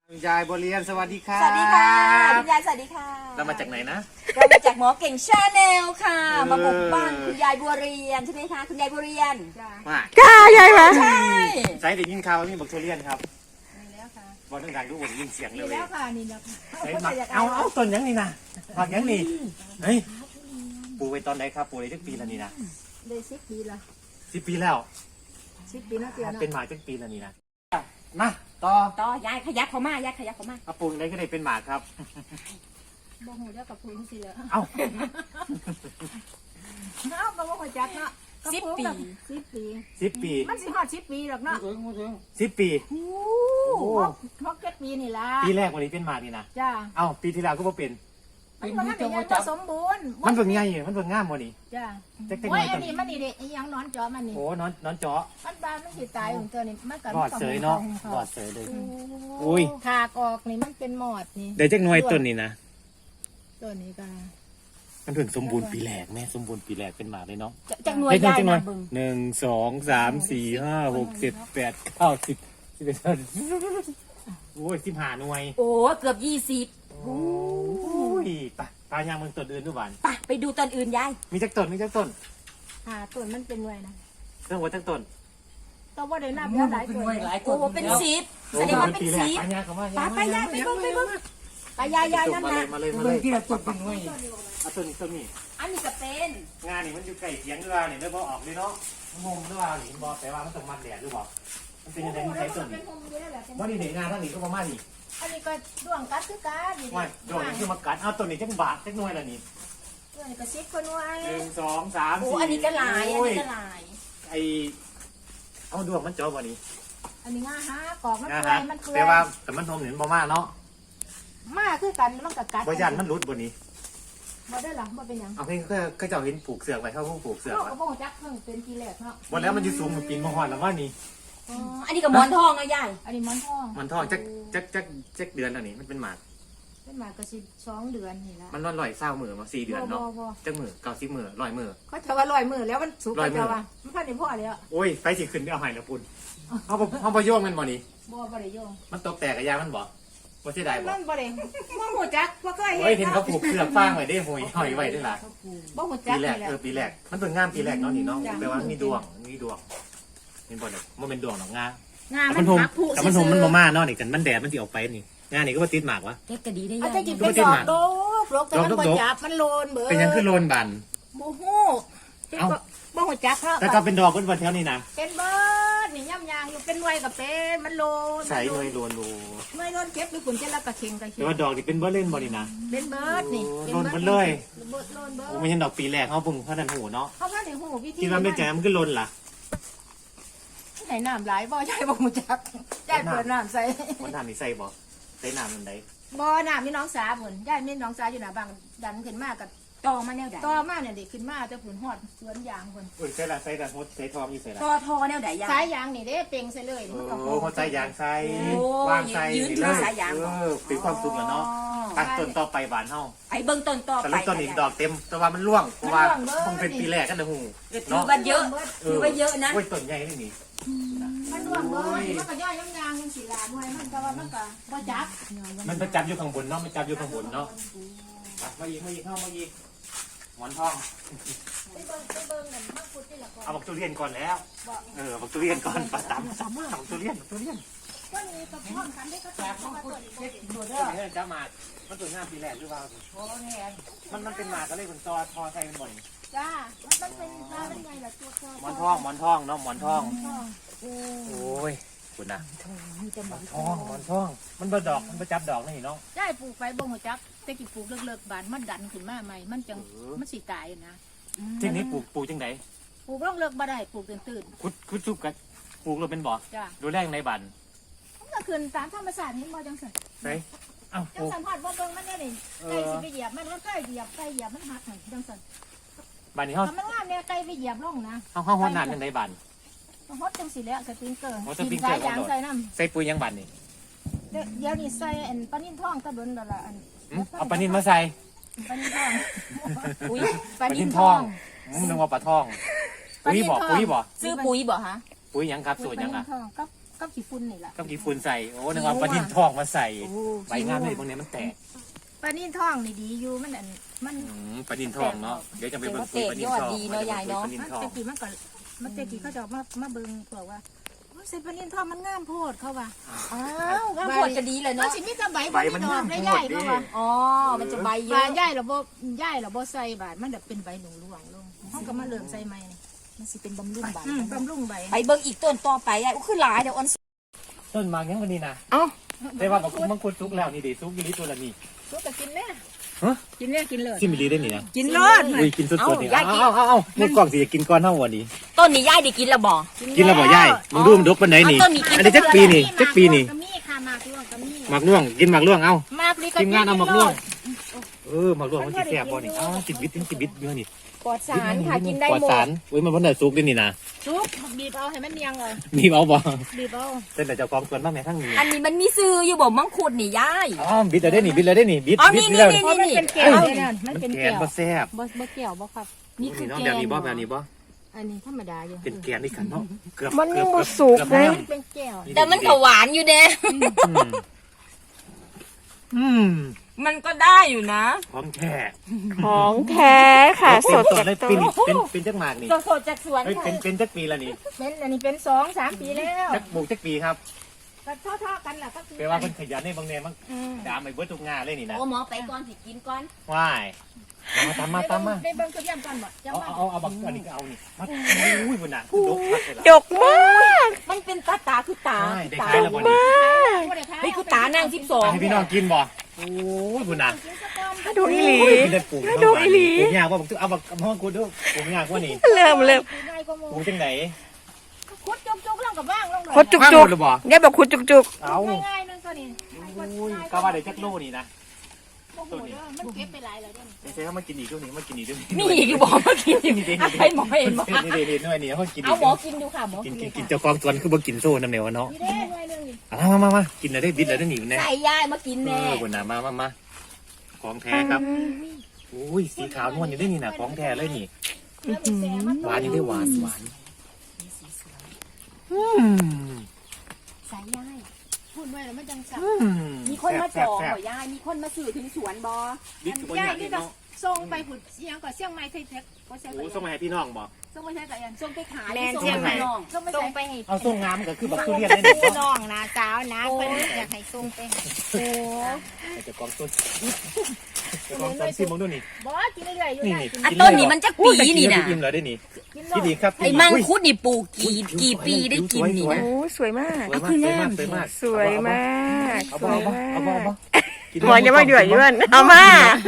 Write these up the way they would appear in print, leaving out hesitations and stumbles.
คุณยายบัวเรียนสวัสดีครับสวัสดีค่ะคุณยายสวัสดีค่ะเรามาจากไหนนะเรามาจากหมอเก่งชาแนลค่ะเออมาบุกบ้านคุณยายบัวเรียนใช่ไหมคะคุณยายบัวเรียนมากล้ายายมาใช่ใช้ได้ยินข่าวว่ามีบักทุเรียนครับมีแล้วค่ะบอลดังๆทุกคนยินเสียงมีเลยแล้วค่ะนี่แล้วค่ะใช้มาเอาต้นยังนี่นะผักยังนี่เฮ้ยปลูกไว้ตอนไหนครับปลูกได้ตั้งปีแล้วนี่นะได้10 ปีละ 10 ปีแล้ว 10 ปีนะเตียนะเป็นหมากตั้งปีแล้วนี่นะมาต่อต่อยายขยับเขามายายขยับเขามาเอาปลูกได้ก็ได้เป็นหมากครับบ่ฮู้เด้อกับพื้นสิเหรอเอ้าเอาก็บ่ฮู้จักเนาะ10 ปี10 ปี 10 ปีมันสิฮอด10 ปีหรอกเนาะ 10 ปีโอ้6 7 ปีนี่ล่ะปีแรกวันนี้เป็นหมากนี่นะจ้าเอ้าปีที่แล้วก็บ่เป็นมันบ่ทันได้ยังบ่สมบูรณ์มันเบิ่งไงมันเบิ่งงามบ่นี่จ้าจักโอ้ยๆอันนี้มันนี่เด้อีหยังนอนจอมันนี่โอ้นอนเจาะมันบานมันสิตายของตัวนี่มันก็รอดเสยเนาะรอดเสยเลยโอ้ยขากออกนี่มันเป็นหมอดนี่ได้จักหน่วยต้นนี่นะตัวนี้ก็มันเพิ่งสมบูรณ์ปีแรกแม่สมบูรณ์ปีแรกเป็นหมากเลยเนาะจากหน่วยเฮ้ยยายจังหน่นะอยเบึง 1 2 3 4 5 6 7 8 9 10 11โอ้ย15หน่วยโอ้เกือบ20 โอ้ยไปปลายางเมืองต้นอื่นด้วยบ้านไปดูตอนอื่นยายมีจักต้นมีจักต้นต้นมันเป็นหน่วยนะเรื่องว่าจักต้นก็บ่ได้นับแล้วหลายต้นโอ้โหเป็น10แสดงว่าเป็นปีแรก 10 ปลายางเขาว่าไปยายไปเบิ่งไปเบิ่งไปยายนั่นมาเลนะยมาเลยมาเลยที่เราต้นเป็นหน่วยเอาต้นนี้อันนี้ก็เป็นงานนี่มันอยู่ไก่เสียงหรือว่าเนี่ยได้พอออกเลยเนาะงมหรือว่าหนิบอกแต่ว่ามันต้องมันแดดหรือเปล่ามันเป็นยังไงมันใช้ต้นนี่ว่านี่เด็กงานทั้งนี้ก็ประมาณนี้อันนี้ก็ด้วงกัดคือกันนี่ว่าโดนนี่คือมากัดเอาต้นนี้จังบาทจังหน่วยละนี่ด้วงนี่ก็10คนไว้ 1 2 3 โอ้ 4 อันนี้ก็หลายอันนี้ก็หลายไอเอาดวงมันเจาะบ่นี้อันนี้ง่าฮะกอกมันนะเปื่อฮะยมันเปื่อแต่ยว่าแต่มันทมเห็นบ่มากเนาะมาคือกันมันก็กัดบ่ยันมันรุดบ่นี้บ่ได้หรอบ่เป็นหยังเอาเพิ่นก็เจ้าเห็นปลูกเสือกไว้เขาเพิ่งปลูกเสือกเราไว้ก็บ่รู้จักเพิ่งเป็นปีแรกเนาะบ่แล้วมันอยู่สูงมันปีนมาฮอดแล้วว่านี่อ๋ออันนี้ก็หมอนทองนะยายอันนี้หมอนทองมันทองจักเดือนแล้วนี่มันเป็นหมากเป็นมาก็สิ2เดือนนี่ละมันร้อยเศร้ามือมา4 เดือนเนาะบ่จักมือ90 มือ100 มือเขาจะว่า100มื้อแล้วมันสุกร้อยมื้อจะว่ามันพันได้พอแล้วโอ้ยไฟสิขึ้นไปเอาให้แล้วปุ่นเอาบ่โยงมันบ่นี่บ่ได้โยงมันตกแตกกะยามันบ่บ่เสียดายบ่มันบ่ได้บ่ฮู้จักบ่เคยโอ้ยเห็เห็นนเขาปลูกเสือกฟางไว้ได้หอยหอยไว้ด้วยล่ะบ่ฮู้จัปีกแรกนี่แหละปีแรกมันเป็นงามปีแรกเนาะนี่เนาะจ้ะแปลว่ามีดวงมีดวงเป็นบ่เนี่ยมันเป็นดวงหรอกงางานแต่มัมัน นทมพักผู้แต่มันทมมันบ่มาเนาะนี่กันมันแดดมันสิออกไปนี่งานนี่ก็บ่ติดหมากวะเก็บก็ดีได้อาจยาจะยกินเป็นดอกโดกโรคแต่มันบ่จับมันโลนเบิดเป็นหยังคือโลนบันบ่ฮู้เอ้าบ่ฮู้จักเนาะแต่ก็เป็นดอกเป็นวันแถวนี้นะเป็นเบิดนี่ย่ำยางอยู่เป็นหน่วยก็เป็นมันโลนใส่หน่วยโลนโลหน่วยโลนเก็บอยู่คุณจะละกะเข่งกะเข่แต่งว่าดอกนี่เป็นบ่เล่นบ่นี่นะเป็นเบิดนี่โลนเบิดเลยเบิดโลนเบิดโอ้ไม่ใช่ดอกปีแรกเขาเพิ่งพัฒนาหูเนาะเขาว่าได้ฮู้วิธีคิดว่าไม่แจ่มันคือโลนล่ะไหนน้ำหลายบ่ยายบ่ฮู้จักยายเปิดน้ำใส่มันทำนี่ใส่บ่ใส่น้ำมันไดบ่น้ำมีน้องสาพุ่นยายมีน้องสาอยู่หน้าบ้านดันขึ้นมาก็ต่อมาแนวใดต่อมาเนี่ยเด็กขึ้นมาแต่พุ่นฮอดสวนยางพุ่นอุ้ยใส่ละใส่ละหดใส่ทองอยู่ใส่ละต่อทอแนวใดยายสายยางนี่เด้เป่งใส่เลยมันก็โอ้เขาใส่ยางใส่โอ้วางใส่ยืนนี่ถืเลอย สายยางเป็นความสุขแล้วเนาะตัดต้นต่อไปบานเฮาไอ้เบิ่งต้นต่อแต่ไปละต้นอีกดอกเต็มแต่ว่ามันร่วงเพราะว่าคงเป็นปีแรกกันนะหูถือเนาะว่าเยอะถือว่าเยอะนะโอ้ยต้นใหญ่นี่นี่มันร่วงเบิดมันก็ย่อยยำยางจังสิล่ะหน่วยมันก็ว่ามันก็บ่จักมันประจับอยู่ข้างบนเนาะมันจับอยู่ข้างบนเนาะมาอีกเข้ามาอีกหมอนทองไปเบิ่งกันมาพูดที่ละก่อนเอาบักทุเรียนก่อนแล้วบักทุเรียนก่อนปลาตำซ้ำมากบักทุเรียนก็นี่ก็พร้อมกันได้ก็จับมาตัวนี้ดูเด้อจ้ามามันตัวงามปีแรกหรือเปล่าโอ้แน่มันเป็นหมากก็เลยเป็นตอทอใส่มันบ่อยจ้ามันเป็นปลาเป็นไงล่ะตัวหมอนทองเนาะหมอนทองโอ้ยคุณนะหมอนทองมันประดอกมันประจับดอกนี่เนาะได้ปลูกไปบ่หัวจักแต่กี่ปลูกเลิกๆบานมันดันขึ้นมาใหม่มันจังมันสิตายนะที่นี้ปลูกจังไดปลูกเลิกบ่ได้ปลูกตื่นคุดซุบกันปลูกเราเป็นบ่อจ้าดูแรกในบันมันก็ขึ้นตามธรรมชาตินี่บ่จังซั่นใส่เอ้าจังสันพอดบ่เบิ่งมันเนี่ยนี่ไก่สิไปเหยียบมันเคยเหยียบไก่เหยียบมันหักหั่นจังซั่นบันนี้เขาถ้ามันงามเนี่ยไก่ไปเหยียบลงนะเขาหัวหนานจังไดบันฮดจังสิแล้วสปริงเกอร์โอ้สปริงเกอร์ยางใส่น้ำใส่ปุ๋ยยังบันนี่เดี๋ยวนี้ใส่อันปลานิ่นทองตะเบินแล้วล่ะอันเอาปลานินมาใส่ปลานิ่นทองอุ้ยปลานิ่นทองนึกว่าปลาทองปุ๋ยบ่ซื้อปุ๋ยบ่ฮะปุ๋ยยังครับสูตรยังปลาอ่ะนิ่นทองกับกับขี้ฝุ่นนี่ล่ะก็กี่ฝุ่นใส่โอ้นึกว่าปลานินทองมาใส่ใบงามเลยพวกนี้มันแตกปลานิ่นท้องนี่ดีอยู่มันมันปลานินทองเนาะเดี๋ยวจะไปเบิ่งปุ๋ยปลานินทองปลานินทองตะกี้มันตะกี้เขาจะมาเบิ่งบอกว่าใส่ปลานิ่นท้องมันงามโพดเขาว่าอ้าวงามโพดจะดีเลยมันเนาะสิมีแต่ใบมันดอกได้ใหญ่เพราะว่าอ๋อมันจะใบเยใบอะใหญ่เราบ่ใส่บาดมันแบบเป็นใบหนูหลวงลงเขาก็มาเริ่มใส่ใหม่นี่มันสิเป็นบำรุงใบบำรุงใบไปเบิ่งอีกต้นต่อไปยายอู้คือหลายเดี๋ยวออนต้นหมากยังวันนี้นะเอ้าแต่ว่ามังคุดซุกแล้วนี่ดิซุกอยู่นี่ตัวละนี่สู้ก็กินแน่ฮะกินแน่กินเลยกินมิลลิได้นี่นะกินรอดอุ้ยกินสดๆนี่เอาเมื่อกล่องสิจะกินก้อนเท่าวันนี้ต้นนี้ยายได้กินแล้วบ่กินแล้วบ่ย่ายมึงดูมันดกปานไหนนี่ต้นนี้กินอันนี้จักปีนี่จักปีนี่กะมีค่ะมากล่วงกะมีหมากล่วงกินหมากล่วงเอามากนี่ก็ทีมงานเอาหมากล่วงหมากล่วงมันสิแซ่บบ่นี่ติดบิดเยอะนี่ปลอดสารค่ะกินได้ปลอดหมสาดรอุ้ยมันบ่ได้ซุกได้นี่นะซุปบีบเอาให้มันเนียงเลยมีเอาบ่บีบเอาเต้นแต่เจ้าของสวนบ้างแม่ทั้งนี้อันนี้มันมีซื้ออยู่บ่มังคุดนี่ยายอ๋อบิดเลยได้นี่บิดเลยได้นี่บิดอ๋อบิดนี่แล้วนี่เพราะมันเป็นแก้วเนี่ยมันมันเป็นแกแก้นวบ่แซ่บบ่แก้วบ่ครับนี่คือน้องแก้แบบวนี้บ่แบบนี้บ่อันนี้ธรรมดาอยู่เป็นแกนนี่กันเนาะเกือบมันยังบ่สุกเลยเป็นแก้วแต่มันก็หวานอยู่เด้อืมมันก็ได้อยู่นะของแท้ของแท้ค่ะ สดจาจาก กต้ต้นนเป็นจักหมากนี่สดๆจากสวนเฮ้ยเป็นจักปีละนี่เป็นอันนี้เป็น2-3 ปีแล้วจักปลูกจักปีครับก็เท่าๆกันแหละก็คือแปลว่าเพิ่นขยันในบางแนวมันดามไปเบิดทุกงานเลยนี่นะโอ้หมอไปก่อนสิกินก่อนว้ายตามมาไปเบิ่งตัวอย่างก่อนบ่จังว่าเอาบักอันนี้ก็เอานี่มาอุ้ยบุญน่ะดกพักเลยล่ะดกมากมันเป็นตาคือตาใช่ได้ตาขายแล้วบ่นี่เฮ้ยคือตานาง12 ให้พี่น้องกินบ่โอ้ยบุญน่ะดูอีหลีกินได้ปลูกดูอีหลีปลูกยากว่าเอาบักห้องกูดูปลูกยากว่านี่เริ่มง่ายกว่าหมู่ปลูกจังไหนคุดจุกๆลงกับว่างลงคดจุกจุกๆเนี่ยบอกคุดจุกจุกเอาง่ายๆนึงตัวนี้อุ้ยก็ว่าได้จักโลนี่นะโอ้โหเด้อมันเก็บไปหลายแล้วเด้อเจ๊เขามากินอีกด้วยนี่มากินอีกด้วยมีอีกบอกมากินให้หมอเห็นบ่นี่เด็ดๆด้วยนี่เขากินเอาหมอกินดูค่ะหมอกิกินนเลยกินค่ะเจ้าของสวนคือบ่กินโซ่น้ำเหนียวเนาะนี่เด้อหน่วยนึงนี่มากินแล้วได้บิดแล้วได้หนีแน่ใส่ยายมากินแน่บุญน่ะมาของแท้ครับอุ้ยสีขาวนวลอยู่ได้นี่น่ะของแท้เลยนี่แล้วไปแซ่มันหวานยังได้หวานใส่ยายพูดไว้แล้วมันจังสับมีคนมาจองบ่ยายมีคนมาซื้อถึงสวนบ่บิ๊กกับย่าญาย ตินี่ก็เนาะส่งไปผุดเสียงก็เสียงไม้ไทยเทคก็ใช่โอ้ส่งมาให้พี่น้องบอกส่งไปใช้กับยันส่งไปขายแม่นส่งเชียงใหม่ไปน้องส่งไปส่ใช้งไปให้เอาส่งงามก็คือบักทุเรียนได้นี่พี่น้องนะสาวนะเพิ่นอยากให้ส่งไปให้โอ้เจ้าของต้นเจ้าของต้นซิมองดูนี่บ่กินเรื่อยๆอยู่ได้กินอันต้นนี้มันจะปีนี่นะอิ่มแล้วได้นี่กินพี่ดีครับไอ้มังคุดนี่ปลูกกี่ปีได้กินนี่นะโอ้สวยมากสวยมากสวยมากสวยมากเอาสบ่วยเอาบ่มากเอาบ่หมอจะมาเดือดย้วนเอามา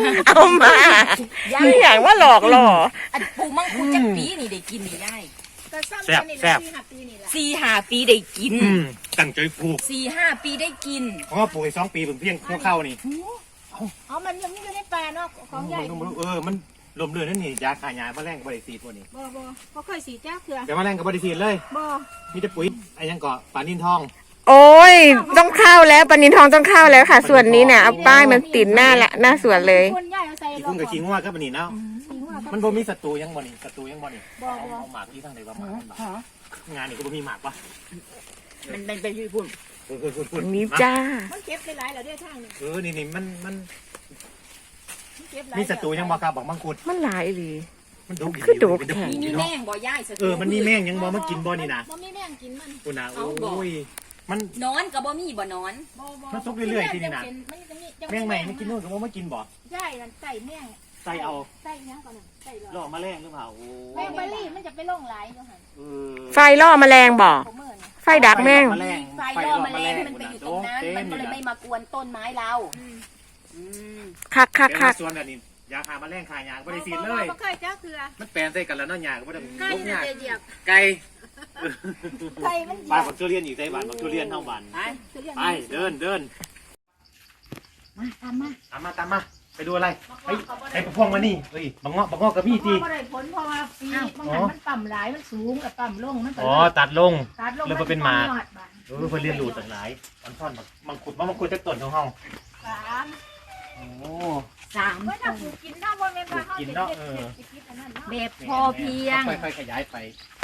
ไม่อย่างว่าหลอกหล่ออันปลูกมังคุดจักปีนี่ได้กินนี่ได้ก็ซ้ำกันนี่แหละ4-5 ปีนี่แหละ 4-5 ปีได้กินตั้งใจปลูก 4-5 ปีได้กินเพราะว่าปลูก2 ปีเพิ่งเพียงเข้านี่เอามันยังอยู่ในป่าเนาะของใหญ่บ่มันลมเรือนนั่นนี่ยาขายยาแมลงบริสีตัวนี้บ่เคยสีจ้าเกลือแต่แมลงกับบริสีเลยบ่มีแต่ปุ๋ยไอ้ยังเกาะปลานินทองโอ้ยต้องเข้าแล้วปนินทองต้องเข้าแล้วค่ะ ส่วนนี้เนี่ยเอาป้ายมันติดหน้าละหน้าสวนเลยคนใหญ่เอาใส่ขี้ลกุ้งงกับขี้งัวก็ปนี่เนาะ มันบ่มีศัตรูยังบ่นี่ศัตรูยังบ่นี่บ่เอาหมากที่ทั้งใดว่าหมากงานนี่ก็บ่มีหมากปะมันเป็นชื่อพุ่นพูดนี้จ้ามันเก็บไปหลายแล้วเด้อทางนี้นี่มันมันเก็บหลายมีศัตรูยังบ่ครับบอกมังคุดมันหลายหรือมันดุคือดุแท้มีแม่งบ่ย่ายสมันมีแม่งยังบ่มากินบ่นี่นะบ่มีแม่งกินมันคุณนะโอ้ยมันนอนก็บ่มีบ่นอนบ่มันซุกเรื่อยๆที่นี่นะมันจะมีแม่งใหม่ไม่กินนู่นก็บ่มากินบ่ใช่นั่นใส่แม่งใส่เอาใส่ยังก่อนน่ะใส่หรล่ออแมลงหรือเปล่าโอ้แม่งเบอร์รี่มันจะไปลงหลายอยู่หั่นไฟล่อแมลงบ่ผมเมื่อนี่ไฟดักแม่งไฟล่อแมลงมันไปอยู่ตรงนั้นมันก็เลยไม่มากวนต้นไม้เราคักคักคัคักกส่วนอันนี้ยาฆ่าแมลงฆ่ายาก็บ่ได้ฉีดเลยบ่เคยจ้าเกลือมันแปลนใส่กันแล้วเนาะยาก็บ่ได้ใกล้ลูกน่ะยาจะเหยียบไก่ไก่มันเหยีบ้าย นบบักทุเรียนอีกใส่บ้านบักทุเรียนเท่าบ้านคือเรื่องไปเดินมาตามมาตามมาไปดูอะไรไอ้พวงมานี่เฮ้ยบังเงาะกับพี่ทีบ่ได้ผลเพราะว่าปีบางหันมันต่ำหลายมันสูงกับต่ำลงมันก็อ๋อตัดลงตัดลงเลยบ่เป็นหมากยอดบาดเพื่อเรียนรู้ต่างหลายอันท่อนมังคุดจากต้นของเฮาสามโอ้ 3 เมื่อถ้าปลูกกินได้บ่แม่นว่าเฮาปลูกกินสิเนาะเฮ็ดอันนั้นเนาะแบบพอเพียงค่อยๆขยายไปอัน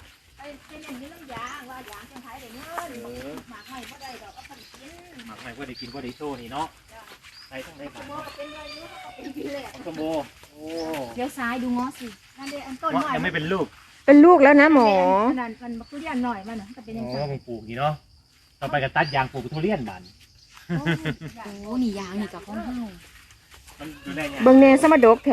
เป็นอย่างนี้น้ำยางว่ายางจังไทยได้เงินหมากไม่ก็ได้ดอกก็พันกินหมักไม่ว่าได้กินว่าได้โชว์นี่เนาะใส่ทั้งได้สบ้านมอเป็นเงินรู้ก็เป็นกินแหละสมโบโอ้เดี๋ยวซ้ายดูง้อสินั่นเด้อันต้นหน่อยยังไม่เป็นลูกเป็นลูกแล้วนะหมอนั่นมันทุเรียนหน่อยมันก็เป็นอย่างโอ้นี้มึงปลูกนี่เนาะต่อไปก็ตัดยางปลูกทุเรียนบ้านโอ้นี่ยางนี่กับของเฮามันดูแลเนี่ยเบิ่งแน่สมดกแท้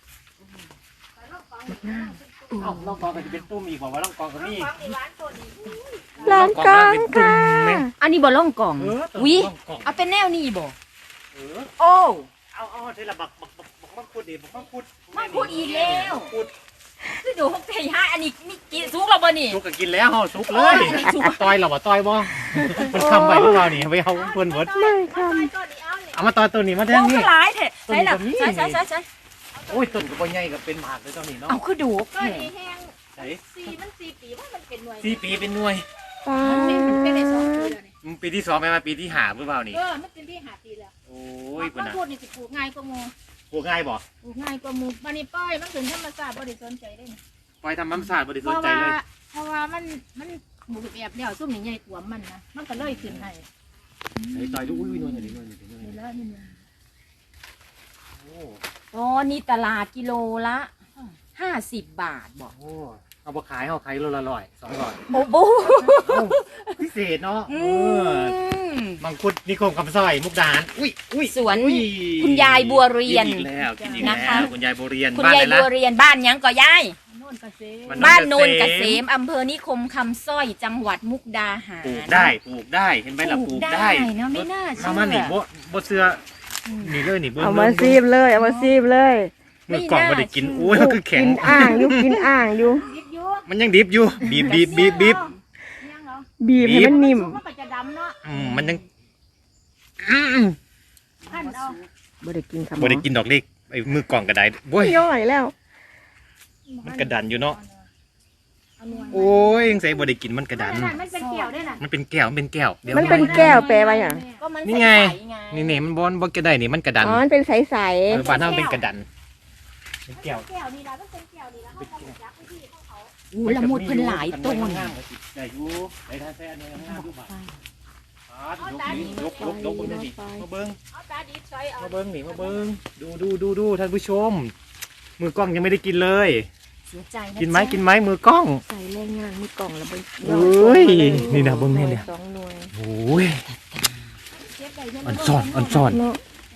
เอ้าล่องกองก็จะเป็นตุ้มอีกบอกว่าล่องกองก็มีลองกองค่ะอันนี้บ่ล่องกล่อง วิล่องกองเอาเป็นแนวนี้บ่เออโอ้เอาเทละบักมังคุดดิบักมังคุดมังคุดอีกแล้วมังคุดคือดูหกเทห้าอันนี้นี่กินสุกแล้วบ่นี่สุกก็กินแล้วสุกเลยโอ้ยสุกต่อยเราบ่ต่อยบ่มันคำไปพวกเรานี่ไปเอาเพื่อนเวิร์ดไม่ค่ะเอามาต่อยตัวนี้มาแทโอ้งนี่ก็หลายแท้ใช่ล่ะต้นก็มีใช่โอ้ยต้นก็บ่ใหญ่ก็เป็นหมากเลยตอนนี้เนาะเอาคือดูก็แท้ดีแห้งไหน 4 ปีว่ามันเป็นหน่วย 4 ปีเป็นหน่วยป้ามันเป็นได้2 ปีแล้วนี่ปีที่2ไปมาปีที่5หรือเปล่านี่มันเป็นที่5 ปีแล้วโอ้ยปุ่นมันน่ะพูดนี่สิปลูกง่ายกว่าหมู่ปลูกง่ายบ่ปลูกง่ายกว่าหมู่มันนี่ป้อยมันถึงธรรมชาติบ่ได้สนใจได้นี่ปล่อยทำน้ำสาดบ่ได้เพสนราะใจว่าเลยเพราะว่ามันหมูแบบเดียวซุ่มนี่ใหญ่กว่ามันนะมันก็เลยขึ้นให้ไหนต่อยดูอุ้ยหน่วยหน่อยนี่แล้วนี่โอ้อ๋อนี่ตลาดกิโลละ50 บาทบ่โหเอาไปขายเอาขายโลละ100 200 โอ้โหพิเศษเนาะอืมมังคุดนิคมคำสร้อยมุกดาหารอุ้ยสวนอุ้ยคุณยายบัวเรียนกินอีกแล้วกินอีกนะคะแล้วคุณยายบัวเรียนคุณบ้านยาไหยนละบัวเรียนบ้านหยังก็ยายโน่นกระเซบ้านโนนเกษมอำเภอนิคมคำสร้อยจังหวัดมุกดาหารปลูกได้เห็นไหมล่ะปลูกได้เนาะไม่น่าเชื่อมานี่บ่เสื้อนี่เลยนี่เบิ้งเอามาซีบเลยเอามาซีบเลยมือกล่องบ่ได้กินอุ้ยมันคือแข็กิงนอ่างอยู่กินอ่างอยู่ยิบยูมันยังดิบอยู่บีบยังเหรอบีบให้มันนิ่มมันก็จะดำเนาะมันยังขั้นเอาบ่ได้กินค่ะหมบ่อได้กินดอกเล็กไอ้มือกล่องก็ได้โว้ยย่อยแล้วมันกระดันอยู่เนาะเอาหน่วยโอ้ยยังใส่บ่ได้กินมันกระดันมันเป็นเกี่ยวด้วยน่ะมันเป็นแก้วเดี๋ยวมันเป็นแก้วแปลว่าอย่างก็มันนี่ไงใสๆไงนี่มันบ่กระได้นี่มันกระดันอ๋อมันเป็นใสบ้านเฮาเป็นกระดันเป็นแก้วแก้วนี่ละมันเป็นแก้วนี่ละเขาก็ยักษ์ที่ของเขาอู้ละมุดเพิ่นหลายต้นได้อยู่ได้ท่าแซ่อันนี้งามอยู่บ่ยกเบิ่งดิมาเบิ่งเอาตาดีใส่เอามาเบิ้งนี่มาเบิ้งดูท่านผู้ชม มือกล้องยังไม่ได้กินเลยเสียใจนะกินไหมจ๊ะกินไหมมือกล้องๆใส่แรงงานมีกล่องแล้วไปโอ้ยนี่นะเบิ่งแม่เนี่ยสองหน่วยโอ้ยเก็บไว้เดี๋ยวอันซ่อนเนาะ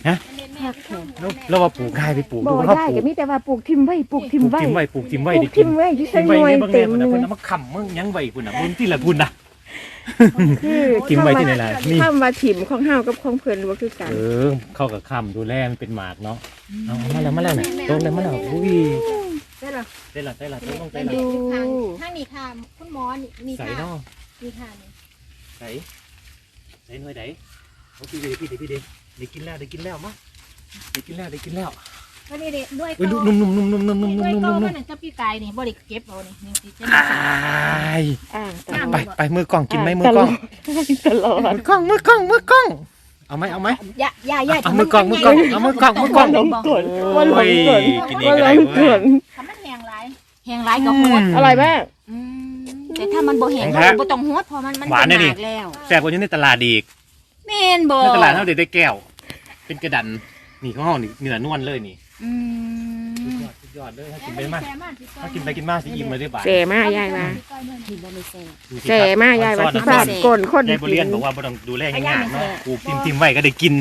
แล้วว่าปลูกง่ายไปปลูกบ่ดูเขาได้ปลูก็กมีแต่ว่าปลูกทิมไว้ปลูกทิมไว้ปลูกทิมไว้ปลูดิกกิทินมไว้ที่ทิใส่มหไว้น่วยนี่เบิ่งเต็แม่มพุ่นเลน่ะยเพิ่นเอามาค้ำมึงยังไว้พุ่นน่ะมึงที่ละพุ่นน่ะคือทิมไว้ที่ไหนล่ะนี่คำว่าถิ่มของเฮากับของเพิ่นบ่คือกันเข้ากับค้ำดูแลมันเป็นหมากเนาะเอามาแล้วน่ะตรงเลยมาแล้วอุ้ยได้หรอได้ละต้องได้ได้ดูละทางนี้ค่ะคุณหมอนี่ใส่ค่ะเนาะนี่ค่ะนี่ใส่หน่วยไหนโอ้พี่ได้กินแล้วมั้งได้กินแล้วก็นี่เด็ด้วยเฮ้ยนุ่มด้วยก็ๆมันจะพี่กายนี่บ่ได้เก็บเอานี่นี่สิจะอ้ายอ่างตลอดไปมือกล้องกินไหมมือกล้องตลอดมือกล้องเอาไหมอย่าเอามือกล้องเอามือกล้องว่าหลงกลว่าหลงกลกินเองว่าก็หลได้งเว้กยลทำมันแห้งหลายแหงร้ายก็โหดอร่อยมากอืมแต่ถ้ามันบ่แหงแห้งก็แท้บ่ต้องโหดเพราะมันหวานเป็นนะหนี่มากแล้วแซ่บกว่านี้ในตลาดอีกแม่นบ่ในตลาดเท่าเด็ดได้แก้ว เป็นกระดันนี่ข้างห้องนี่เนื้อนวลเลยนี่อืมสุดยอดเลยถ้ากินไปมาถ้ากินไปกินมาสิอิ่มเลยได้บ่ายเสมากยายมาที่บ่ไม่แซ่บเสมากยายว่าที่ฟาดก้นคนยายบเรียนบอกว่าบ่ต้องดูแลง่ายๆเนาะปลูกทิมไว้ก็ได้กิน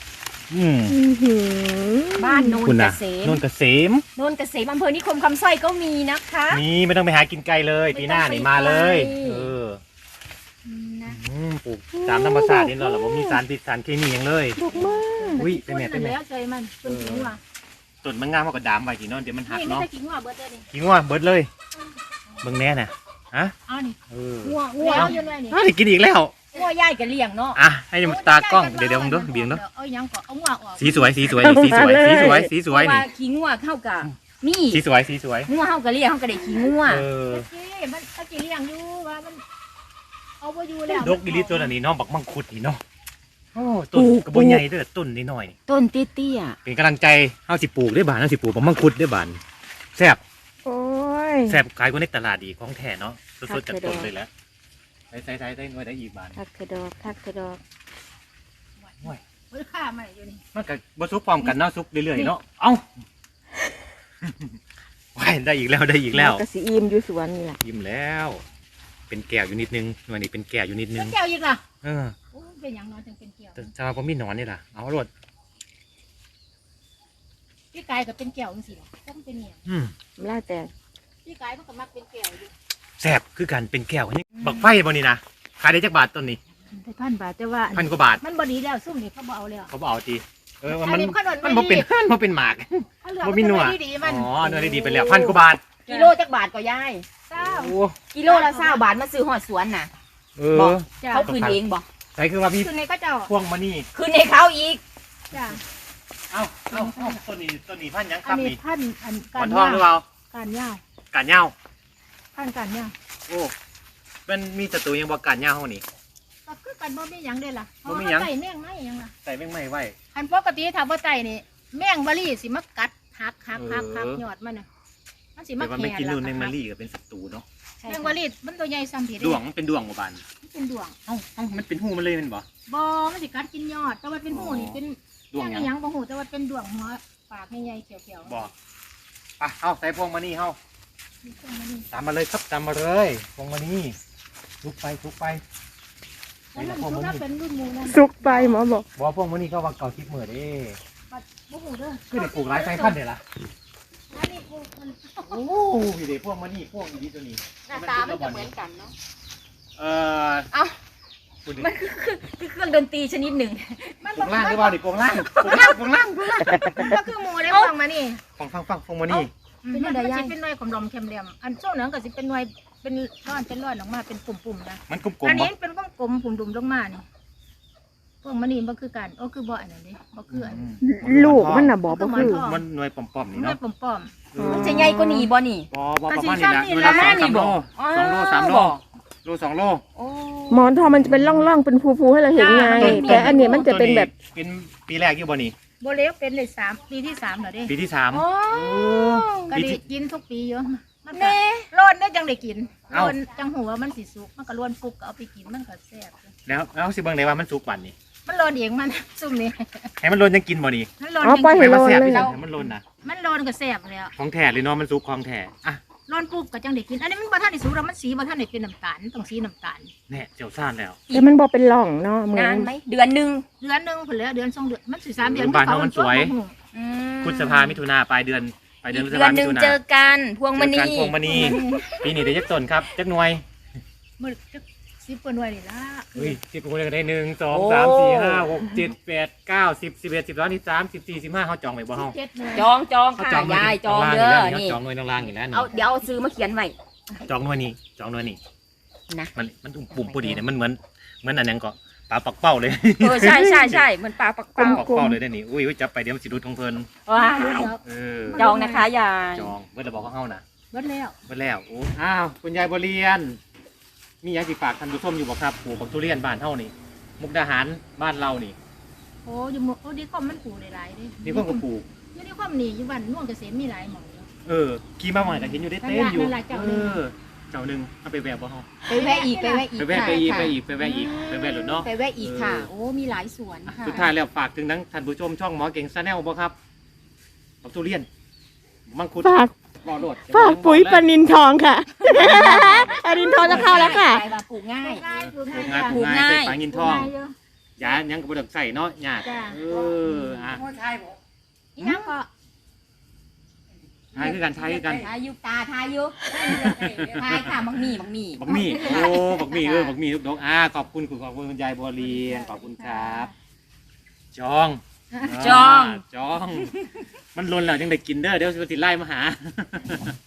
บ้านโนนคุณเกน่ะษมนนเกษมโนนเกษมอำเภอนิคมคำสร้อยก็มีนะคะนี่ไม่ต้องไปหากินไกลเลยปีหน้านี่มาเลยไม่ต้องไปไกล นะปลูกตามธรรมชาตินี่เราผมมีสารพิษสารเคมีอย่างเลยดอกมากอุ้ยเป็นแม่แล้วใจมันเป็นขิงว่ะต้นมันงามมากกว่าดามไว้ที่นอนเดี๋ยวมันหักนี่ไม่เนาะใช่ขิงว่ะเบิร์ดเลยนี่กินว่าเบิดเลยเบิ่งแน่น่ะฮะเอานี่เอองัวเอาอยู่เลยนี่ได้กินอีกแล้วงัวย่ายก็เลี้ยงเนาะอ่ะให้มันตากล้องเดี๋ยวมึงดูเบียงดูเอายังก่อนเอางัวออกสีสวยเพราะนี่ว่าขี้งัวเข้ากับมีสีสวยงัวเข้ากับเลี้ยงเข้ากับได้ขี้งัวเออมันตะกี้เลี้ยงอยู่ว่ามันเอาไปอยู่แล้วดกอีลิตัวนี้เนาะบักมังคุดนี่เนาะโอ้ต้นกระบใหญ่เด้อต้นนิดหน่อยต้นเตี้ยเป็นกำลังใจเฮาสิปลูกได้บานเฮาสิปลูกบักมังคุดได้บานแซ่บโอ้ยแซ่บขายกว่าในตลาดอีกของแท้เนาะสดๆจากต้นเลยแหล้วใส่ได้หน่วยได้อีกบาททักกระดอกทักกระดอกห่วยเฮ้ยข้ามาอยู่นี่มันก็บ่ซุกพร้อมกันเนาะซุกเรื่อยๆเนาะเอ้าว้ายได้อีกแล้วได้อีกแล้วกระสีอิ่มอยู่สวนนี่แหละยิ้มแล้ว เป็นแก้วอยู่นิดนึงหน่วยนี้เป็นแก้วอยู่นิดนึเป็งนแก้วอีกล่ะเออโอ้เป็นอย่างน้อยจังเป็นแก้วแต่ชาวบ่มีหนอนนี่ล่ะเอารวดพี่กายก็เป็นแก้วจังซี่ล่ะต้องเป็นเนี่ยล่าแต่พี่กายมันก็มักเป็นแก้วอยู่แซ่บคือกันเป็นแก้วนี่บักไฟบ่นี่นะขายได้จักบาทต้นนี้ได้1,000 บาทแต่ว่า 1,000 กว่าบาทมันบ่ดีแล้วซุ่มนี่เขาบ่เอาแล้วเขาบ่เอาทีว่าอัมัน นนี้ขนมมันบ่เป็นมันเป็นหมากเขาเหลือบ่มีหนวดดีๆมันอ๋อหน่วยดีๆไปแล้ว1,000 กว่าบาทกิโลจักบาทก็ยายเศร้าโอ้กิโลละ20 บาทมาซื้อหอดสวนน่ะเอบอกอจ้าเขาคืนเองบอกใช่คือว่าพี่คือในก็เจ้าพวงมานี่คืนให้เขาอีกจ้าเอ้าต้นนี้พันยังคอัรันบนี้นี่ท่านอันหกามอรนทองหรือเปล่าการย่าวกาดเหย้าท่านการย่าวโอ้มันมีศัตรูยังบ่กาดเหย้าเฮานี่ก็คือกันบ่มีหยังเด้ล่ะบ่มีหยังใส่แมงไม้หยังล่ะใส่แมงไม้ไว้อันปกติถ้าบ่ใส่นี่แมงบะลี่สิมากัดหักยอดมันน่ะมันสิมาแต่ว่าแขไม่นกินนู่นล่ะแมงมารีก็เป็นศัตรูเนาะแมงบะลี่มันตัวใหญ่ซ้ำผิดดวงมันเป็นดวงบ่บานมันเป็นดวงเอ้ามันเป็นหูมันเลยแมันบ่บ่มันสิกัดกินยอด แต่ว่าเป็นหูนี่เป็นดวงหยังหยังบ่หูแต่ว่าเป็นดวงหัวปากใหญ่ๆเขียวๆบ่อ่ะเอาใส่พวงมานี่เฮามีเครื่องมันนี่ตามมาเลยครับตามมาเลยพวงมานี่ลุกไปแล้วมันคือถ้าเป็นรุ่นหมู่นั่นสุกไปหมอบอกบ่พวงมานี่ก็ว่าเก่าทิพย์เหมือเด้บัดบ่หูเด้อคือได้ปลูกหลายสายพันธุ์เด้ล่ะอันนี้ปลูกมันโอ้ยเด้พวงมานี่พวงดีตัวนี้หน้าตามันจะเหมือนกันเนาะเอ่อเอ้าพูดดิมันคือเครื่องดนตรีชนิดหนึ่งมันปลูกล่างหรือเปล่าดิปลูกล่างปลูกล่างก็คือหมู่ได้ฟังมานี่ฟังพวงมานี่เป็นมันสิเป็นหน่วยของลมเข็มเหลี่ยมอันช่วงนั้นก็สิเป็นหน่วยเป็นร่อนออกมาเป็นปุ่มๆนะมันกลมอันๆบ่นี้เป็นกลมๆปุ่มดุมลงมานี่พวกมันนี่บ่คือกันโอ้คือบ่อันนั้นเด้บ่คืออันลูกมันน่ะบอกบ่คือมันหน่วยป่อมๆนี่หน่วยเนาะป้อมมันจะใหญ่กว่านี้บ่นี่บ่ประมาณนี้ละหน่วยละประมาณนี้ 2-3 บ่โลอ๋อ 2 โล 3 โลบ่โล 2 โลโอ้หมอนทองมันจะเป็นร่องๆเป็นฟูๆให้เราเห็นไง แต่อันนี้มันจะเป็นแบบเป็นปีแรกอยู่บ่นี่ๆบ่เล็กเป็นเลย3ปีที่3แล้วเด้ปีที่โอ้ 3 ก็ได้กินทุกปีอยู่มันก็แน่ร้อนได้จังได้กินเอ้าร้อนจังหัวมันสิสุกมันก็ร้อนปุ๊บก็เอาไปกินมันก็แซ่บแล้วสิเบิ่งได้ว่ามันสุกวันนี้มันร้อนเองมัน ซุ่มนี่ให้มันโลนยังกินบ่นี่มันร้อนอ๋อปล่อยจให้ริงโลนแซ่บเลยที่สุดให้มันโลนนะๆมันร้อนก็แซ่บแล้วของแท้เลยเนาะมันสุกของแท้อ่ะร้อนปุ๊บก็จังได้กิน อันนี้มันบ่ทันได้สุกแล้วมันสีบ่ทันได้เป็นน้ำตาลต้องสีน้ำตาลแน่เจียวซ่านแล้วแต่มันบอกเป็นร่องเนาะเหมือนนานไหมเดือนหนึงเดือนหนึงพุ่นแล้วเดือน2เดือนมันสิ3เดือนบ้านเฮามันสวยอืมพฤษภามิถุนาปลายเดือนพฤษเดืภาอนหมินึ่งถุนาเจอกันพวงมณีเจอกันพวงมณีปีนี้ได้จักต้นครับจักหน่วยมื้อจัก10กว่าหน่วยนี่ล่ะเฮ้ย10คนได้1 2 3 4 5 6 7 8 9 10 11 12 13 14 15เฮาจองไว้บ่เฮา 17หน่วยจองเฮาค่ะไว้ยายจองเด้อนี่นี่จองหน่วยล่างๆอยู่แล้วนี่เอาเดี๋ยวเอาซื้อมาเขียนไว้จองหน่วยนี้จองหน่วยนี้นะมันปุ่มพอดีเนี่ยมันเหมือนอันนั้นก็ปลาปักเป้าเลยใช่เหมือนปลาปักเป้าปักเป้าเลยได้นี่อุ้ยจับไปเดี๋ยวมันสิรุดของเพิ่นว้าวเออจองนะคะยายจองเมื่อเราบอกเขาเฮานะเบิดแล้วเมื่อแล้วโอ้อ้าวคุณยายบเรียน มีอยางสิฝากท่านผู้ชมอยู่บ่ครับปลูกบักทุเรียนบ้านเฮานี่ มุกดาหารบ้านเรานี่โอ้อยู่หมู่โอ้ดีคอมมันปลูกได้หลายเด้นี่เพิ่นก็ปลูกอยู่ดีคอมนี่อยู่บ้านน่วงเกษมมีหลายหม่องอยู่เออขี่มาใหม่ก็เห็นอยู่ได้เต้นอยู่นั่นล่ะเจ้าหนึ่งเจ้าหนึงเอาไปแวะบ่เฮาไปแวะอีกไปแวะไปแวะอีกไปแวะรถเนาะไปแวะอีกค่ะ โอ้มีหลายสวนอ่ะค่ะสุดท้ายแล้วฝากถึงทั้งท่านผู้ชมช่องหมอเก่งซะแนลบ่ครับบักทุเรียนมังคุดฝากรอโดดฝากปุ๋ยปลานินทองค่ะ ปลานินทองจะเข้าแล้วค่ะไปมาปลูกง่ายปลูกปลูง่ายกง่ายปลูกง่ายปลูกง่ายใส่ฝางินทอง ยายังก็บ่ต้องใส่เนาะยากจ้ะเอออ่ะอีนั่งก็ทายคือกันทายุตาทายุทายค่ะบักหมี่บักมี่โอ้บักมี่บักมี่ลูกดกขอบคุณคุณยายบัวเรียนขอบคุณครับ จอง จอง มันลนแล้วยังได้กินเด้อเดี๋ยวสิไล่มาหา